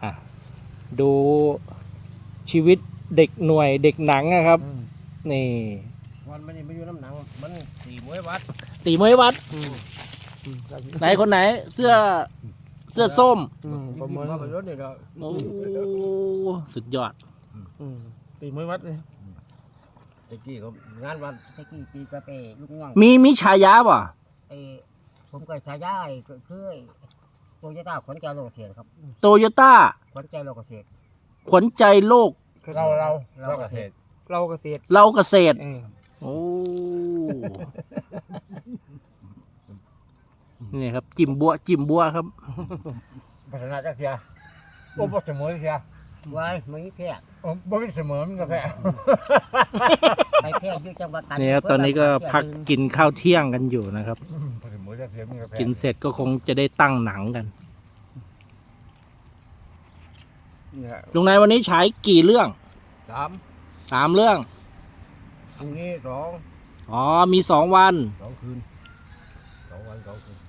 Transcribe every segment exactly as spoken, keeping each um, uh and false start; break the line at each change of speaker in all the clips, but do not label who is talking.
อ่ะดูชีวิตเด็กหน่วยเด็กหนังนะครับนี่
วันมันนี่ไม่อยู่น้ำหนังมันสี่มวยวัด
ตีมวยวัดไหนคนไหนเสื้อเสื้อส้ม
ประเมินว่าประโยชน์นี่เรา
โอ้สุดยอด
ตีมวยวัดเลย
ตะกี้เขางานวัน
ตะกี้ตีกระเปลูกน้อง
มีมีฉายาป่ะ
ไอ้ผมก็ชายาไอ้ก็คือไอ้โตโยต้าขวัญใจโลกเกษตรครับ
โตโยต้า
ขวัญใจโลกเกษตร
ขวัญใจโลก
เราเราเราเกษตร
เราเกษตร
เราเกษตร
เออ
โอ้นี่ครับจิมบัวจิมบัวครับ
พัฒนาจักรยาโอ้บ่เสมอเสีย
ไว้ไม่แพร่
โอ้บ่มีเสมอมันก็แพ้
ไปแพร่อยู่จังหวัดตาก
นี่ครับตอนนี้ก็พักกินข้าวเที่ยงกันอยู่นะครับ
เสมอจักรยามันก็แพ้
กินเสร็จก็คงจะได้ตั้งหนังกัน
เนี่ย
ลุงนายวันนี้ฉายกี่เรื่อง
สาม
สามเรื่อง
พรุ่งนี้สอง
อ๋อมีสองวัน
สองคืนสองวันสองคืน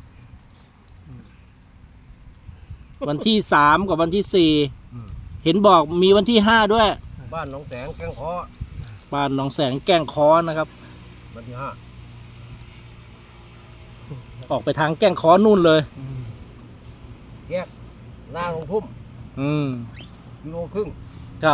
วันที่สามกับวันที่สี่
อืม
เห็นบอกมีวันที่ห้าด้วย
บ้านหนองแสงแก้งคอ
บ้านหนองแสงแก้งค้อนะครับ
วันที่ห้า
ออกไปทางแก้งค้อนู่นเลย
แยกหน้าลงทุ่ม
อืม
กิโลครึ่ง
ครับ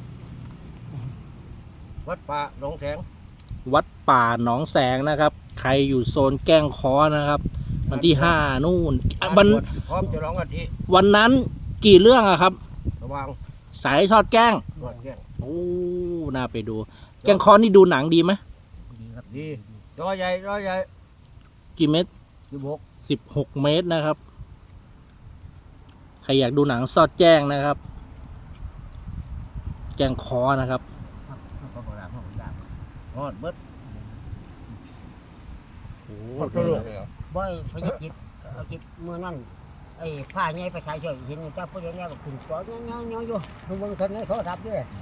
วัดป่าหนองแสง
วัดป่าหนองแสงนะครับ ใครอยู่โซนแก้งค้อนะครับ วันที่ห้านู่นอ่ะวัน
พร้อมจะร้องอาทิ
วันนั้นกี่เรื่องอะครับ
ระวัง
สายทอดแก้ง
ตรวจแก้ง
โอ้น่าไปดู แก้งค้อนี่ดูหนังดีไหม
ดีครับ
ดีจอใหญ่จอใหญ่
กี่เมตร
สิบหก
สิบหกเมตรนะครับ ใครอยากดูหนังซอดแจ้งนะครับ แก้งค้อนะครับ
ครับเขาบอกแล้วเขาบอกแล้ว
ทอดเบิด
โอ้
ตัวลูก
บ่อยพยจิตเอาจิตเมื่อนั้นไอ้ผ้าใหญ่ไปใช้เฉยเห็นเจ้าผู้ใหญ่เนี่ยก็ขึ้นจอเงี้ยเงี้ยอยู่ดูเบิ่งทันในโทรศัพท์ด้วย